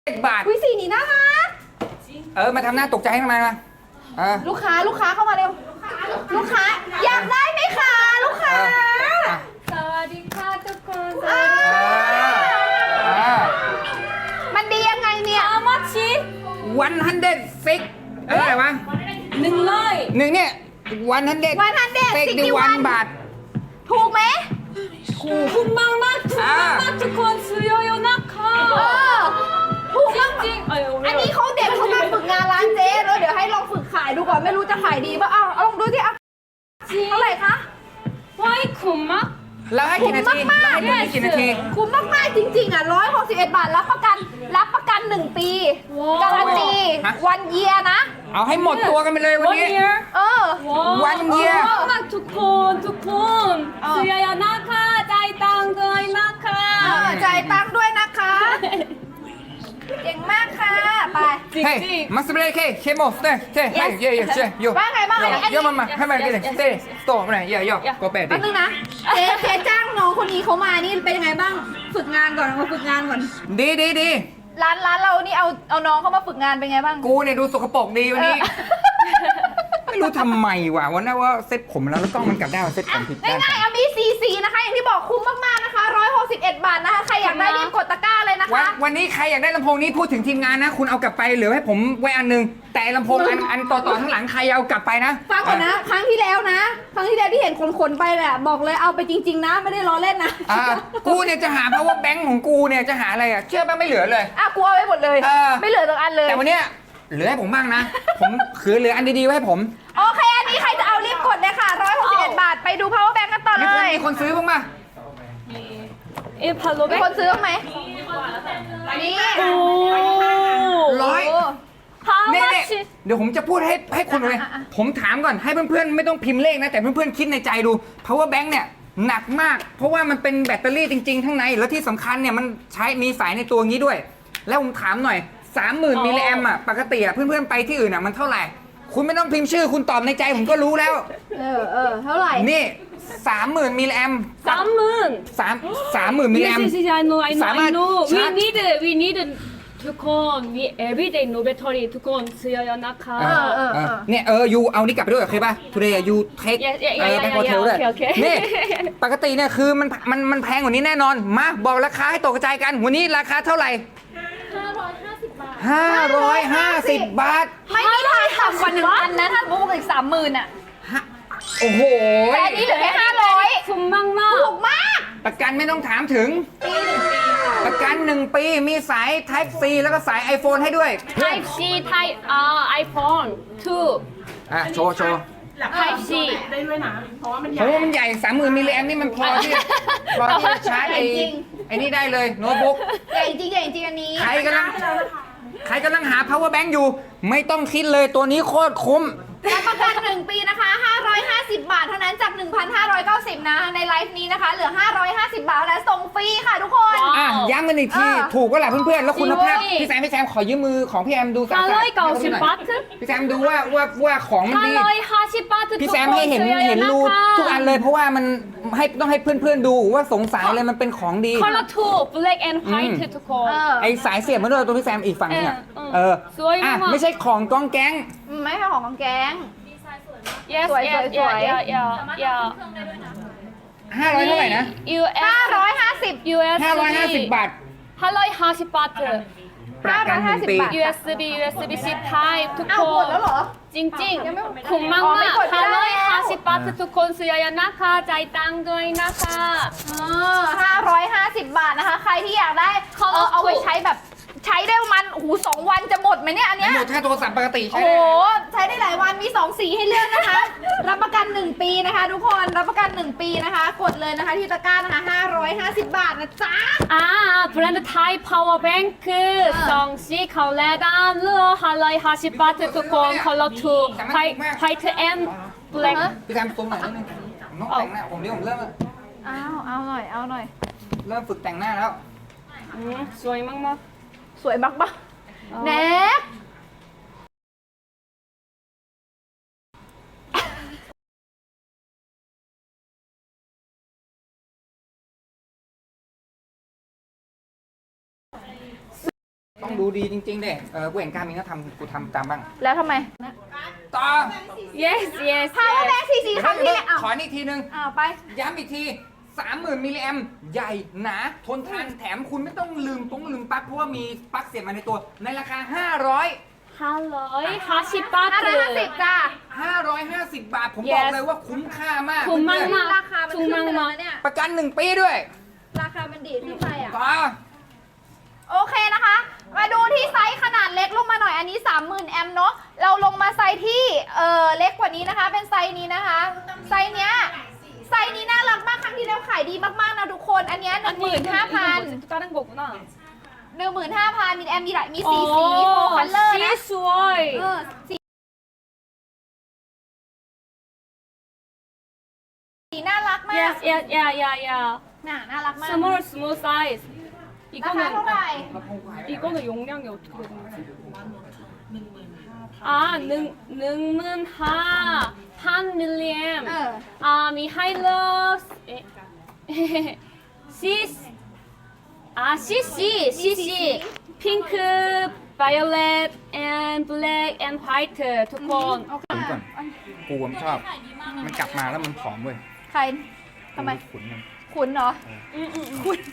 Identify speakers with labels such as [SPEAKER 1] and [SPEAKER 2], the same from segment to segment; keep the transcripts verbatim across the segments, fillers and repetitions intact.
[SPEAKER 1] บาท
[SPEAKER 2] วิสีนี้น่ารัก
[SPEAKER 1] เออมาทำหน้าตกใจให้ทำไมมาเออ
[SPEAKER 2] ลูกค้าลูกค้าเข้ามาเร็วลูกค้าอยากได้ไหมคะลูกค้า
[SPEAKER 3] สวัสดีค่ะทุกคนส
[SPEAKER 1] เอ
[SPEAKER 3] วัสดีค่ะ
[SPEAKER 1] อเออ
[SPEAKER 2] มันดียังไงเนี่ย
[SPEAKER 3] How much
[SPEAKER 1] วันฮันเด็ดซิกเอออะไรวะ
[SPEAKER 3] หนึ่งร้อย
[SPEAKER 1] หนึ่งเนี่ยวันฮันเด็ด
[SPEAKER 2] วันฮันเด็ด
[SPEAKER 1] ซิก
[SPEAKER 2] สิบ
[SPEAKER 1] ดิ
[SPEAKER 2] กี่
[SPEAKER 1] วั
[SPEAKER 2] วัน น
[SPEAKER 1] บาท
[SPEAKER 2] ถูกไหม
[SPEAKER 3] ถูกมากมากถูกมากมากทุกคนซื้อเยอะๆนะคะ
[SPEAKER 2] เออถูก
[SPEAKER 3] จ
[SPEAKER 2] มาก
[SPEAKER 3] ริงๆเออ
[SPEAKER 2] อันนี้เขาเด็กเขามาฝึกงานร้านเจ๊แล้วเดี๋ยวให้ลองฝึกขายดูก่อนไม่รู้จะขายดีป่ะเอาเอาลองดูสิเอา
[SPEAKER 3] จริง
[SPEAKER 2] เท่าไหร่คะ
[SPEAKER 3] ว้ายคุ้มมาก
[SPEAKER 1] แล้วให้กี่นาที
[SPEAKER 2] คุ้มมากๆ
[SPEAKER 1] แล้วให้ตัวนี้กี่นาที
[SPEAKER 2] คุ้มมากๆจริงๆอ่ะร้อยหกสิบเอ็ดบาทรับประกันรับประกันหนึ่งปีการันตีวันเยียนะ
[SPEAKER 1] เอาให้หมดตัวกันไปเลยวัน
[SPEAKER 3] วัน
[SPEAKER 1] นี้
[SPEAKER 3] เยีย
[SPEAKER 2] เออ
[SPEAKER 1] วันเยีย
[SPEAKER 3] มากทุกคนทุกคน
[SPEAKER 2] เออ
[SPEAKER 3] ซื้อเยอะๆนะคะจ่ายตังค์ด้วยนะคะ
[SPEAKER 2] เออจ่ายตังค์ด้วยนะคะเก่งมากค่ะไป
[SPEAKER 3] จริง
[SPEAKER 1] เฮ้ย
[SPEAKER 3] จริง
[SPEAKER 1] มาสเปรย์เคเคโมสเต้เต้ให้เยอะเยอะเช่อยู่
[SPEAKER 2] ว่าไงบ้างอันนี้อัน
[SPEAKER 1] เยอะ
[SPEAKER 2] นี้
[SPEAKER 1] มามาให้มากินเลยเต้โตมาหน่อยเยอะเยอะก็แปดดิ
[SPEAKER 2] แป๊บนึงนะเจ๊เจ๊จ้างน้องคนนี้เขามานี่เป็นยังไงบ้างฝึกงานก่อนมาฝึกงานก่อน
[SPEAKER 1] ดีดีดี
[SPEAKER 2] ร้านร้านเรานี่เอาเอาน้องเขามาฝึกงานเป็นไงบ้าง
[SPEAKER 1] กูเนี่ยดูสกปรกดีวันนี้
[SPEAKER 2] เออ
[SPEAKER 1] ไม่รู้ทำไมว่ะวันนั้นว่าเซ็ตผมแล้วแล้วกล้องมันกลับได้ว่าเซ็ตผมผิดด้าน
[SPEAKER 2] ง่ายๆเอามีซีซีนะคะอย่างที่บอกคุ้มมากๆนะคะหนึ่งร้อยหกสิบเอ็ดบาทนะคะใครอยากได้รีบกดตะกร้าเลยนะ
[SPEAKER 1] วัน
[SPEAKER 2] คะ
[SPEAKER 1] วันนี้ใครอยากได้ลำโพงนี้พูดถึงทีมงานนะ คุณเอากลับไปเหลือให้ผมไว้อันหนึง แต่ลำโพงอันอันต่อต่อข้างหลังใครเอากลับไปนะ
[SPEAKER 2] ฟังก่อนนะ ครั้งที่แล้วนะ ครั้งที่แล้วที่เห็นขนๆไปแหละบอกเลยเอาไปจริง ๆ นะ ไม่ได้ล้อเล่นนะ
[SPEAKER 1] อ่ากูเนี่ยจะหา power bank ของกูเนี่ยจะหาอะไรอ่ะเชื่อป่ะไม่เหลือเลย
[SPEAKER 2] อ่ะกูเอาไว้หมดเลย
[SPEAKER 1] เออ
[SPEAKER 2] ไม่เหลือสักอันเลย
[SPEAKER 1] แต่วันเนี้ยเหลือให้ผมบ้างนะ ผมคือเหลืออันดีๆไว้ให้ผม
[SPEAKER 2] โอเค อันนี้ใครจะเอารีบกดเลยค่ะหนึ่งร้อยหกสิบเอ็ดบาท ไปดู power bank กันต่อ
[SPEAKER 1] มี
[SPEAKER 2] เล
[SPEAKER 1] คน
[SPEAKER 2] ย
[SPEAKER 1] มีคนซื้อบ้างป่ะ
[SPEAKER 3] เอ็มพาโล
[SPEAKER 2] มี
[SPEAKER 3] เบก
[SPEAKER 2] คนซื้อบ้างไหมนี่
[SPEAKER 3] โอ้
[SPEAKER 1] ร้อย
[SPEAKER 3] How
[SPEAKER 1] เนี่ยเนี่ย
[SPEAKER 3] much
[SPEAKER 1] เดี๋ยวผมจะพูดให้ให้คุณเลย
[SPEAKER 2] อ่ะอ่ะ
[SPEAKER 1] ผมถามก่อนให้เพื่อนๆไม่ต้องพิมพ์เลขนะ แต่เพื่อนๆคิดในใจดู power bank เนี่ยหนักมาก เพราะว่ามันเป็นแบตเตอรี่จริงๆข้างใน แล้วที่สำคัญเนี่ยมันใช้มีสายในตัวงี้ด้วย แล้วผมถามหน่อย สามหมื่น
[SPEAKER 3] อ๋อ
[SPEAKER 1] มิลลิแอมอ่ะปกติอ่ะเพื่อนๆไปที่อื่นอ่ะมันเท่าไหร่ คุณไม่ต้องพิมพ์ชื่อคุณตอบในใจผมก็รู้แล้ว
[SPEAKER 2] เออเออเท่าไหร่
[SPEAKER 1] นี่สามหมื่นมิลลิแอม
[SPEAKER 3] สามหมื่น
[SPEAKER 1] สามสามหมื่นมิลลิแอ
[SPEAKER 3] Yes
[SPEAKER 1] ม
[SPEAKER 3] yes yes I know I know
[SPEAKER 1] สามารถ
[SPEAKER 3] I know
[SPEAKER 1] ชา
[SPEAKER 3] we
[SPEAKER 1] ร์จ
[SPEAKER 3] need we need ทุกคน we everyday no battery ทุกคนซื้อเยอะๆนะคะ
[SPEAKER 1] เออเออเออเนี่ยเออยูเอานี่กลับไปด้วยโอเคป่ะ today you take
[SPEAKER 3] Yeah, yeah, yeah,
[SPEAKER 1] เออ
[SPEAKER 3] yeah,
[SPEAKER 1] ไป
[SPEAKER 3] yeah,
[SPEAKER 1] โฮเทล
[SPEAKER 3] yeah,
[SPEAKER 1] ด้วย
[SPEAKER 3] okay, okay.
[SPEAKER 1] นี่ปกติเนี่ยคือมันมันมันแพงกว่านี้แน่นอน มาบอกราคาให้ตกกระจายกัน วันนี้ราคาเท่าไหร่ห้าร้อยห้าสิบบาท
[SPEAKER 2] ไม่มีทางต่ำกว่าหนึ่งพันนะ ถ้าสมมติอีกสามหมื่นอ่ะ
[SPEAKER 1] โอ้โห
[SPEAKER 2] แต่อันนี้เหลือแค่ห้าร้อย
[SPEAKER 3] คุ้มมากมาก
[SPEAKER 2] ถูกมาก
[SPEAKER 1] ประกันไม่ต้องถามถึง ประกันหนึ่งปีมีสาย Type C แล้วก็สาย iPhone ให้ด้วย
[SPEAKER 3] Type C Type อ่า iPhone ทู
[SPEAKER 1] อ่ะโชว์โชว์
[SPEAKER 3] Type C
[SPEAKER 4] ได้ด้วยนะ เพราะว่ามันให
[SPEAKER 1] เพ
[SPEAKER 4] ญ่
[SPEAKER 1] ราะว่ามันใหญ่สามหมื่นมิลลิแอมนี่มันพอที่พอที่จะชาร์จไอ้
[SPEAKER 2] จริง
[SPEAKER 1] ไอ้นี่ได้เลยโน้ตบุ๊ก
[SPEAKER 2] ใหญ่จริงใหญ่จริงอันนี้
[SPEAKER 1] ใครกำลังใครกำลังหา power bank อยู่ ไม่ต้องคิดเลยตัวนี้โคตรคุ้ม
[SPEAKER 2] รับประกันหนึ่งปีนะคะห้าร้อยห้าสิบบาทเท่านั้นจาก หนึ่งพันห้าร้อยเก้าสิบ นะ ในไลฟ์นี้นะคะ เหลือ ห้าร้อยห้าสิบบาทและส่งฟรีค่ะทุกคน
[SPEAKER 3] ว้าว
[SPEAKER 1] อ่ะย้ำกันอีกที
[SPEAKER 2] เออ
[SPEAKER 1] ถูกก็แหละเพื่อนๆ แล้วคุณภาพ
[SPEAKER 3] จริงเว้ย
[SPEAKER 1] พี่แซมพี่แซมขอยืมมือของพี่แอมดูสะอาด
[SPEAKER 3] ห้าร้อยเก้าสิบบาท
[SPEAKER 1] พี่แซมดูว่าว่าว่าของมัน
[SPEAKER 3] ห้า
[SPEAKER 1] ดี
[SPEAKER 3] ร้อยห้าสิบบาททุกคน
[SPEAKER 1] พี่แซมให้เห็น
[SPEAKER 3] ซื้อเยอะๆ
[SPEAKER 1] เห็นรู
[SPEAKER 3] นะคะ
[SPEAKER 1] ทุกอันเลยเพราะว่ามันให้ต้องให้เพื่อนๆดูว่าสงสัยเลยมันเป็นของดี
[SPEAKER 3] Color two black and
[SPEAKER 1] อื
[SPEAKER 3] white
[SPEAKER 1] ม
[SPEAKER 3] ทุกคน
[SPEAKER 2] เออ
[SPEAKER 1] ไอสายเสียบมันด้วยตัวพี่แซมอีกฝั่งนึงอ่ะ
[SPEAKER 3] เออ
[SPEAKER 1] เออ
[SPEAKER 3] สวย
[SPEAKER 1] อ่ะ
[SPEAKER 3] มาก
[SPEAKER 1] ไม่ใช่ของกองแก๊ง
[SPEAKER 2] ไม่ใช่ของของแก๊ง
[SPEAKER 3] yes
[SPEAKER 2] สวย
[SPEAKER 3] yes
[SPEAKER 2] สวย
[SPEAKER 3] yeah yeah yeah
[SPEAKER 1] ห้าร้อยเท่าไหร่นะ
[SPEAKER 3] U S
[SPEAKER 2] ห้าร้อยห้าสิบ
[SPEAKER 3] U S
[SPEAKER 1] ห้าร้อยห้าสิบบาท
[SPEAKER 3] ห้าร้อยห้าสิบบาท
[SPEAKER 1] ประกันหนึ่งปี
[SPEAKER 2] บาท
[SPEAKER 3] U S B U S B C Type ทุก
[SPEAKER 2] อ้า
[SPEAKER 3] คว
[SPEAKER 2] หมด
[SPEAKER 3] น
[SPEAKER 2] แล้วเหรอ
[SPEAKER 3] จริง
[SPEAKER 2] ยังไม่
[SPEAKER 3] ๆคุ้มมาก
[SPEAKER 2] อ๋อ
[SPEAKER 3] มา
[SPEAKER 2] ไม่
[SPEAKER 3] ก
[SPEAKER 2] กดไม่ได้
[SPEAKER 3] ห้าร้อย
[SPEAKER 2] แล้ว
[SPEAKER 3] ห้าสิบบาททุกคนซื้อเยอะๆนะคะใจายตังค์ด้วยนะคะ
[SPEAKER 2] เออห้าร้อยห้าสิบบาทนะคะ ใครที่อยากได้
[SPEAKER 3] เขา
[SPEAKER 2] เออเอาไว้
[SPEAKER 3] ถูก
[SPEAKER 2] ใช้แบบใช้ได้ประมันโอ้โหสองวันจะหมดไหมเนี่ยอันเนี้ย
[SPEAKER 1] หมดถ้าโทรศัพท์ปกติ
[SPEAKER 2] โอ้
[SPEAKER 1] ใช้
[SPEAKER 2] โห
[SPEAKER 1] ได้
[SPEAKER 2] ใช้ได้หลายวันมีสองสีให้เลือกนะคะ รับประกันหนึ่งปีนะคะ ทุกคนรับประกันหนึ่งปีนะคะ กดเลยนะคะที่ตะกร้านะคะห้าร้อยห้าสิบบาทนะจ๊ะ
[SPEAKER 3] อ่าแบรนด์ไทย power bank คือสองสีเขาแลดามเลือห้าร้อยห้าสิบบาททุกคน color two white white and black
[SPEAKER 1] พี่แซมซูมหน่อยนิดนึงน้องแต่งหน้าผมนี่ผมเริ่ม
[SPEAKER 2] เอาเอาหน่อยเอาหน่อย
[SPEAKER 1] เริ่มฝึกแต่งหน้าแล้ว
[SPEAKER 3] อืมสวยมาก
[SPEAKER 2] สวยบักบัก
[SPEAKER 3] อ๋อ
[SPEAKER 2] แนบ
[SPEAKER 1] ดูดีจริงๆเด้เออกูเห็นการมินก็ทำกูทำตามบ้าง
[SPEAKER 2] แล้วทำไม
[SPEAKER 1] ต่อ
[SPEAKER 3] yes yes
[SPEAKER 2] power bank สี่สี่ครั้งที่อ้าว
[SPEAKER 1] ขออีกทีนึง
[SPEAKER 2] อ้าวไป
[SPEAKER 1] ย้ำอีกที สามหมื่น มิลลิแอมใหญ่หนาทนทานแถมคุณไม่ต้องลืมต้องลืมปลั๊กเพราะว่ามีปลั๊กเสียบมาในตัว ในราคา ห้าร้อย
[SPEAKER 3] ห้าร้อยห้าสิบ
[SPEAKER 2] ห้าร้อยห้าสิบ
[SPEAKER 3] 바트
[SPEAKER 2] จ้า
[SPEAKER 1] ห้าร้อยห้าสิบบาท ผม
[SPEAKER 3] Yes
[SPEAKER 1] บอกเลยว่าคุ้มค่ามาก
[SPEAKER 3] คุ้มมาก
[SPEAKER 1] เพื่อน
[SPEAKER 2] ราคามันขึ้นไปแล้วเนี่ย
[SPEAKER 1] ๆประกันหนึ่งปีด้วย
[SPEAKER 2] ราคามันดีดขึ้นไปอ่ะ
[SPEAKER 1] ต่อ
[SPEAKER 2] โอเคนะคะ มาดูที่ไซส์ขนาดเล็กลงมาหน่อย อันนี้ สามหมื่น แอมป์เนาะ เราลงมาไซส์ที่ เออเล็กกว่านี้นะคะ เป็นไซส์นี้นะคะ ไซส์เนี้ย ไซส์นี้น่ารักมาก ครั้งที่แล้วขายดีมากๆนะทุกคน อันเนี้หนึ่งหมื่นห้าพัน
[SPEAKER 3] 다른 거구나
[SPEAKER 2] หนึ่งหมื่นห้าพันมีแอมป์มีหลายมีสีสีโฟคัลเลอร์นะ
[SPEAKER 3] สวย
[SPEAKER 2] เออสีสีน่ารักมาก
[SPEAKER 3] yes yes yeah yeah yeah
[SPEAKER 2] น่าน่ารักมาก
[SPEAKER 3] small small size
[SPEAKER 2] ราคาเท่าไหร่
[SPEAKER 3] 이거는 용량이 어떻게 되는 거지? 아, 능, 능문하, 한 밀리앰.
[SPEAKER 2] เออ
[SPEAKER 3] 아, 미 하이러스, 시스, 아, 씨씨, 씨씨, 핑크, 바이올렛, and black and white. 두콘.
[SPEAKER 2] โอเค
[SPEAKER 1] ผมก่อนกูผมชอบ มันกลับมาแล้วมันผอมเว้ย
[SPEAKER 2] ใครทำไม
[SPEAKER 3] 음,
[SPEAKER 1] ขุนมัน
[SPEAKER 2] ขุนเหรอ
[SPEAKER 3] 음, 음.
[SPEAKER 2] ขุน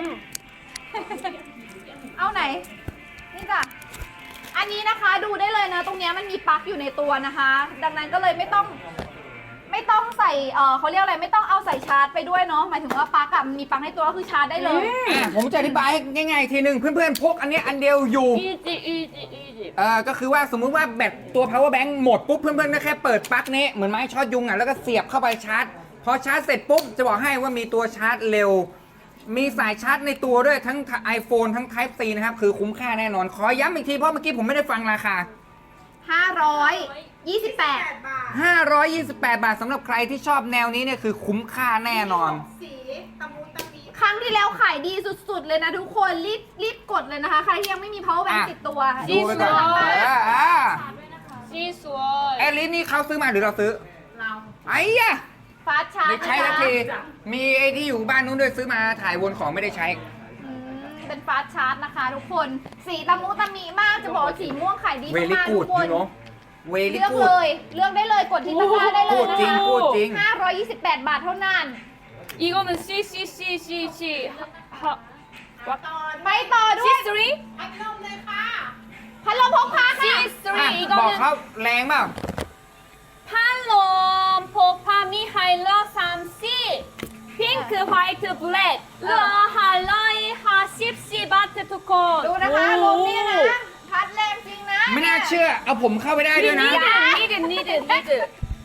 [SPEAKER 2] เอาไหน นี่จ้ะ อันนี้นะคะดูได้เลยนะ ตรงเนี้ยมันมีปลั๊กอยู่ในตัวนะคะ ดังนั้นก็เลยไม่ต้อง ไม่ต้องใส่ เออเขาเรียกอะไร ไม่ต้องเอาใส่ชาร์จไปด้วยเนาะ หมายถึงว่าปลั๊กอะมันมีปลั๊กในตัวก็คือชาร์จได้เลย
[SPEAKER 1] อ่ะผมจะอธิบายให้ง่ายๆอีกทีหนึ่งเพื่อนๆพกอันเนี้ยอันเดียวอยู่
[SPEAKER 3] easy, easy, easy.
[SPEAKER 1] เออก็คือว่าสมมุติว่าแบตตัว power bank หมดปุ๊บเพื่อนๆก็แค่เปิดปลั๊กนี้เหมือนไม้ช็อตยุงอ่ะแล้วก็เสียบเข้าไปชาร์จ พอชาร์จเสร็จปุ๊บจะบอกให้ว่ามีตัวชาร์จเร็ว มีสายชาร์จในตัวด้วยทั้ง iPhone ทั้ง Type C นะครับคือคุ้มค่าแน่นอน ขอย้ำอีกทีเพราะเมื่อกี้ผมไม่ได้ฟังราคา
[SPEAKER 2] ห้าร้อยยี่สิบแปด
[SPEAKER 1] ห้าร้อยยี่สิบแปด บาทสำหรับใครที่ชอบแนวนี้เนี่ยคือคุ้มค่าแน่นอน
[SPEAKER 4] สีตะมุตะมี
[SPEAKER 2] ครั้งที่แล้วขายดีสุดๆเลยนะทุกคน รีบรีบกดเลยนะคะ ใครที่ยังไม่มี power bank
[SPEAKER 1] อ่ะ
[SPEAKER 2] ติดตัว
[SPEAKER 1] ดูไปก่อน
[SPEAKER 2] รีบสั่ง
[SPEAKER 1] อ่าอ่า
[SPEAKER 3] 씨, 스월.
[SPEAKER 1] แอลลิสนี่เขาซื้อมาหรือเราซื้อ
[SPEAKER 4] เรา
[SPEAKER 1] ไอ้ยะ
[SPEAKER 2] ฟาสชาร์
[SPEAKER 1] ได้
[SPEAKER 2] จ
[SPEAKER 1] ใช้ทันที มีไอ้ที่อยู่บ้านนู้นด้วยซื้อมาถ่ายวนของไม่ได้ใช้
[SPEAKER 2] อืมเป็นฟาสชาร์จนะคะทุกคน สีตะมุตะมีมาก จะบอกว่าสีม่วงขายดี
[SPEAKER 1] เวลิ
[SPEAKER 2] มากๆ
[SPEAKER 1] กู
[SPEAKER 2] ทุ
[SPEAKER 1] ด
[SPEAKER 2] กค
[SPEAKER 1] ยู
[SPEAKER 2] น
[SPEAKER 1] โนเวลิ
[SPEAKER 2] เลือก
[SPEAKER 1] กู
[SPEAKER 2] เล
[SPEAKER 1] ด
[SPEAKER 2] ย เลือกได้เลย กดที่ตะกร้าได้เลย
[SPEAKER 1] พูด
[SPEAKER 2] นะ
[SPEAKER 1] จริง
[SPEAKER 2] คะ
[SPEAKER 1] พูดจริง
[SPEAKER 2] ห้าร้อยยี่สิบแปด บาทเท่านั้น
[SPEAKER 3] 이거는 C, C, C, C, C. 하,
[SPEAKER 4] ตอน
[SPEAKER 2] ไปต่อด้วย
[SPEAKER 3] C, 3?
[SPEAKER 4] พัดลมเลยค่ะ
[SPEAKER 2] พัดลมพกพาค่ะ
[SPEAKER 1] อ่ะ
[SPEAKER 3] C, 3.
[SPEAKER 1] บอกเขา
[SPEAKER 3] 이거는
[SPEAKER 1] แรงเปล่า
[SPEAKER 3] 팔롬, 포파, 미하일러, 삼 씨. 핑크, 화이트, 블랙. 러, 할러이, 하십 씨, 바트, 투콘.
[SPEAKER 2] ดูนะคะลมเนี่ยนะ พัดแรงจริงนะ
[SPEAKER 1] ไม่น่าเชื่อ เอาผมเข้าไปได้ด้วยนะ
[SPEAKER 3] 니드, 니드, 니드, 니드.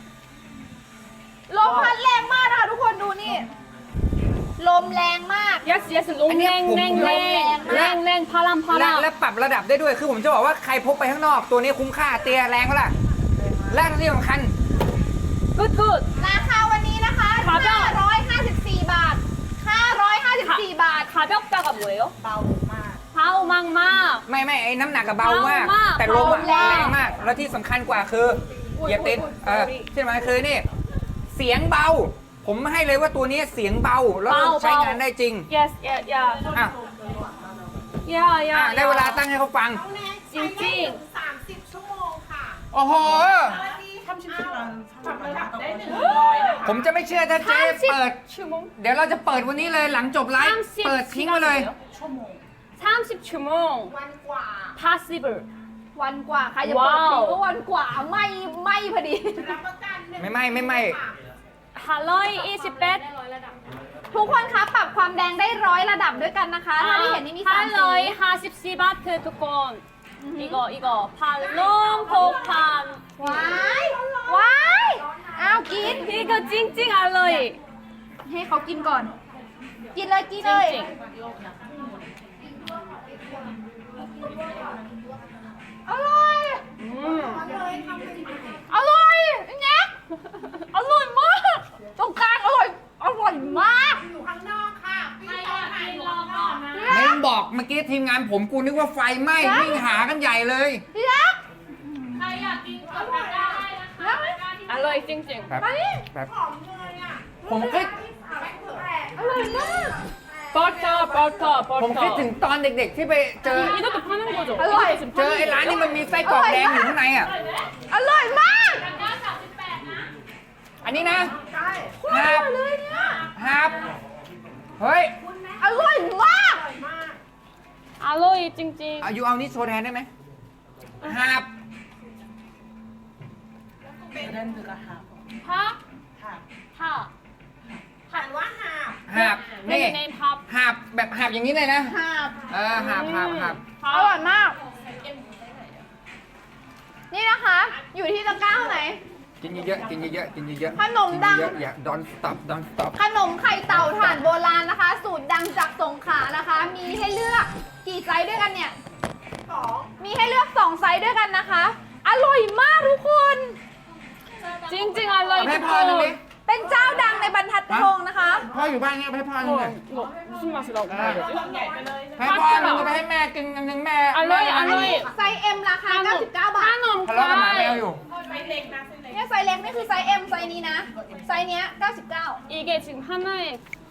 [SPEAKER 2] ลมพัดแรงมากนะคะทุกคนดูนี่ ลมแรงมาก
[SPEAKER 3] Yes, yes, 롱,
[SPEAKER 1] 아니야,
[SPEAKER 3] 랭,
[SPEAKER 1] 봄,
[SPEAKER 3] 랭,
[SPEAKER 2] 봄,
[SPEAKER 3] 랭,
[SPEAKER 2] 랭,
[SPEAKER 3] 랭, 랭, 파람,
[SPEAKER 1] และ
[SPEAKER 3] 파람.
[SPEAKER 1] และปรับระดับได้ด้วย คือผมจะบอกว่าใครพกไปข้างนอก ตัวนี้คุ้มค่า เตียแรงเท่าไหร่และที่สำคัญ
[SPEAKER 3] Good, good.
[SPEAKER 2] ราคาวันนี้นะคะ
[SPEAKER 3] ครับ
[SPEAKER 2] ห้าร้อยห้าสิบสี่ บาท ห้าร้อยห้าสิบสี่ บาท
[SPEAKER 3] 가볍다가 뭐예요?
[SPEAKER 4] เบามาก
[SPEAKER 3] 파우 망막.
[SPEAKER 1] ไม่ไม่ไอ้น้ำหนักกับเบามาก
[SPEAKER 3] เบามาก
[SPEAKER 1] แต่ลมอะ
[SPEAKER 2] เบาแรง
[SPEAKER 1] แรงมาก แล้วที่สำคัญกว่าคืออย่าติดเออที่สำคัญคือนี่ เสียงเบา ผมให้เลยว่าตัวนี้เสียงเบา แล้วก็
[SPEAKER 3] เบา
[SPEAKER 1] ใช้งานได้จริง
[SPEAKER 3] Yes, yeah, yeah.
[SPEAKER 1] อ่ะ
[SPEAKER 3] Yeah,
[SPEAKER 1] อ่ะ
[SPEAKER 3] yeah.
[SPEAKER 1] ได้เวลาตั้งให้เขาฟัง
[SPEAKER 4] น้องแนนใช้ได้ถึงสามสิบชั่วโมงค่ะ
[SPEAKER 1] โอ้โห
[SPEAKER 4] วันนี้ทำชิ้นปรับระดับได้หนึ่งร้อยนะคะ
[SPEAKER 1] ผมจะไม่เชื่อถ้าเจ๊เปิด
[SPEAKER 3] 삼십 주몽?
[SPEAKER 1] เดี๋ยวเราจะเปิดวันนี้เลยหลังจบไลฟ์ เปิดทิ้งไว้เลย
[SPEAKER 4] ชั่วโมง
[SPEAKER 3] 삼십 주몽.
[SPEAKER 4] วันกว่า
[SPEAKER 3] Possible.
[SPEAKER 2] วันกว่าใครจะเปิด
[SPEAKER 3] ว้าว
[SPEAKER 2] ทิ้งก็วันกว่าไม่ไม่พอดี
[SPEAKER 4] รับประกันหนึ่ง
[SPEAKER 1] ไม่ไม่ไม่ไม่
[SPEAKER 3] 할로이 이십 백.
[SPEAKER 2] ทุกคนคะปรับความแดงได้ร้อยระดับด้วยกันนะคะ ถ้าที่เห็นนี่มีสามสี
[SPEAKER 3] 할로이 하십 씨 바트 두콘. 이거 이거 팔롬 폭탄.
[SPEAKER 2] ว้ายว้ายอ้าวกิน
[SPEAKER 3] 이거 찡찡 할로이.
[SPEAKER 2] ให้เขากินก่อน กินเลยกินเลย
[SPEAKER 3] 찡찡.
[SPEAKER 2] อร่อย
[SPEAKER 3] 음.
[SPEAKER 4] เลยทำเป็น
[SPEAKER 2] อร่อยแน็กอร่อยมาก ตรงกลางอร่อย อร่อยมาก
[SPEAKER 4] อยู่ข้างนอกค่ะพี่ตอนถ่ายอยู่ข้างนอกนะ
[SPEAKER 1] ไม่ต้องบอกเมื่อกี้ทีมงานผมกูนึกว่าไฟไหม้วิ่งหากันใหญ่เลย
[SPEAKER 2] พี่รัก
[SPEAKER 3] 할로이 찡찡.
[SPEAKER 1] แบบแบบ
[SPEAKER 4] หอมเลยอ่ะ
[SPEAKER 1] ผมก็
[SPEAKER 4] ไม่เผื่อ
[SPEAKER 2] อร่อยมาก
[SPEAKER 4] แ
[SPEAKER 3] 버터 버터
[SPEAKER 1] ผมคิดถึง
[SPEAKER 3] 버터
[SPEAKER 1] ตอนเด็กๆที่ไปเจอ
[SPEAKER 3] 이것도 파는 거죠?
[SPEAKER 2] 알로이.
[SPEAKER 3] 이것도 지금
[SPEAKER 1] เจอ
[SPEAKER 3] 파는
[SPEAKER 1] ไอ้ร้าน
[SPEAKER 3] 거죠?
[SPEAKER 1] นี้มันมีไส้กรอกแดงอยู่ข้างในอ่ะ
[SPEAKER 2] อร่อยมาก
[SPEAKER 1] อันนี้นะ
[SPEAKER 4] ใช่
[SPEAKER 2] อร่อยเลยเนี่ย
[SPEAKER 1] ฮับเฮ้ย
[SPEAKER 2] อร่อยมาก
[SPEAKER 3] 알로이 찡찡
[SPEAKER 1] เอาอยู่เอานี่โชว์แทนได้ไหมฮับ
[SPEAKER 4] เดินถือกระหาบ
[SPEAKER 3] 파?
[SPEAKER 4] หาบ
[SPEAKER 3] 파
[SPEAKER 4] หันว่าหาบ
[SPEAKER 1] ฮับนี่
[SPEAKER 3] 네네 팝
[SPEAKER 1] ฮับแบบฮับอย่างนี้เลยนะ
[SPEAKER 2] หาบ
[SPEAKER 1] เออฮับฮับฮับ
[SPEAKER 2] อร่อย
[SPEAKER 3] 팝
[SPEAKER 2] มาก นี่นะคะ อยู่ที่ตะกร้าไหน
[SPEAKER 1] กินเยอะๆกินเยอะๆกินเยอะๆ
[SPEAKER 2] ขนมดัง
[SPEAKER 1] กินเยอะๆอย่า don't stop don't stop
[SPEAKER 2] ขนมไข่เต่าถ่านโบราณนะคะ สูตรดังจากสงขลานะคะ มีให้เลือกกี่ไซส์ด้วยกันเนี่ย
[SPEAKER 4] สอง
[SPEAKER 2] มีให้เลือกสองไซส์ด้วยกันนะคะ อร่อยมากทุกคน
[SPEAKER 3] 찡찡 알로이
[SPEAKER 1] ให้พ่อหนึ่งดิ
[SPEAKER 3] 두콘
[SPEAKER 2] เป็นเจ้าดังในบรรทัดทองนะคะ
[SPEAKER 1] พ่ออยู่บ้านเนี้ยไปให้พ่อหนึ่งเลย
[SPEAKER 3] 이거 무슨 맛이라고 해야 되지?
[SPEAKER 4] ใหญ่ไปเลยนะ
[SPEAKER 1] ให้พ่อหนึ่งก็ไปให้แม่กินอันหนึ่งแม่
[SPEAKER 3] อร่อย
[SPEAKER 1] แม่
[SPEAKER 3] อร่อย
[SPEAKER 2] ไซส์ M ราคา เก้าสิบเก้า บาท
[SPEAKER 3] 한엄
[SPEAKER 1] ทะเลาะกับหมาแมวอยู่
[SPEAKER 4] ไซส์เล็กนะไซส์เล็ก
[SPEAKER 2] เนี่ยไซส์เล็กนี่คือไซส์ M ไซส์นี้นะ ไซส์เนี้ยเก้าสิบเก้า
[SPEAKER 3] 이게 지금 하나에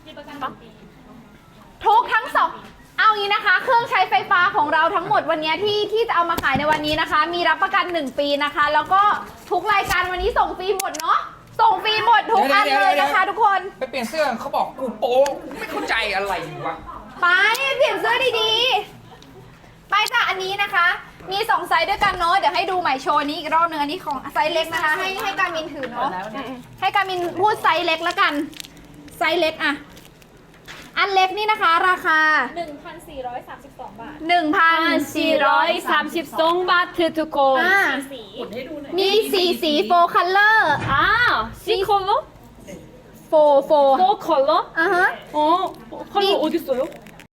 [SPEAKER 2] ทุกทั้งสอง เอางี้นะคะ เครื่องใช้ไฟฟ้าของเราทั้งหมดวันนี้ที่ที่จะเอามาขายในวันนี้นะคะ มีรับประกันหนึ่งปีนะคะ แล้วก็ทุกรายการวันนี้ส่งฟรีหมดเนาะ ส่งฟรีหมดทุกอันเลยนะคะทุกคน
[SPEAKER 1] ไปเปลี่ยนเสื้อเขาบอกกูโป๊กูไม่เข้าใจอะไรวะ
[SPEAKER 2] ไปเปลี่ยนเสื้อดีๆ ไปจ้ะอันนี้นะคะ มีสองไซส์ด้วยกันเนาะ เดี๋ยวให้ดูใหม่โชว์นี้อีกรอบหนึ่งอันนี้ของไซส์เล็กนะคะ ให้ให้การมินถือเนาะ ให้การมินพูดไซส์เล็กแล้วกัน ไซส์เล็กอะอันเล็กนี่นะคะราคา
[SPEAKER 5] หนึ่งพันสี่ร้อยสามสิบสอง บาท
[SPEAKER 2] หนึ่งพันสี่ร้อยสามสิบ
[SPEAKER 3] 1,432 바트 두콘
[SPEAKER 2] อ่า
[SPEAKER 5] สี
[SPEAKER 4] หมุนให้ดูหน่อย
[SPEAKER 2] มีสีสีโฟคัลเลอร์
[SPEAKER 3] 아 C 컬러?
[SPEAKER 2] โฟโฟ
[SPEAKER 3] 뭐 컬러?
[SPEAKER 2] อ่ะฮะ
[SPEAKER 3] 어 컬러 어디 있어요?